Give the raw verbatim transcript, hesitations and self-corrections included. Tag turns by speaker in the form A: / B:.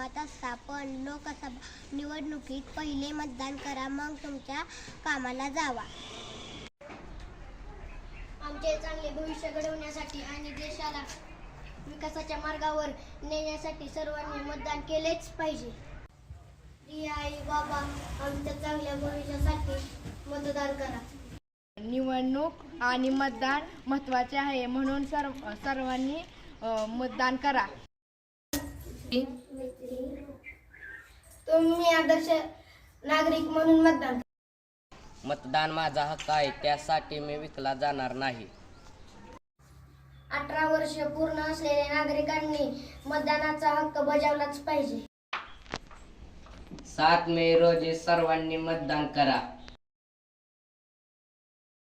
A: गावात असता, पण लोकसभा निवडणुकीत पहिले मतदान करा, मग तुमच्या कामाला जावा.
B: आमचे चांगले भविष्य घडवण्यासाठी आणि देशाला विकासाच्या मार्गावर नेण्यासाठी सर्वांनी मतदान केलेच पाहिजे. प्रिय आई बाबा, आमच्या चांगल्या भविष्यासाठी मतदान करा.
C: निवडणूक आणि मतदान महत्त्वाचे आहे, म्हणून सर्व सर्वांनी मतदान करा.
B: तुम्ही आदर्श नागरिक म्हणून मतदान.
D: मतदान माझा हक्क आहे, त्यासाठी मी विकला जाणार नाही.
B: अठरा वर्ष पूर्ण असलेल्या नागरिकांनी मतदानाचा हक्क बजावलाच पाहिजे.
D: सात मे रोजी सर्वांनी मतदान करा.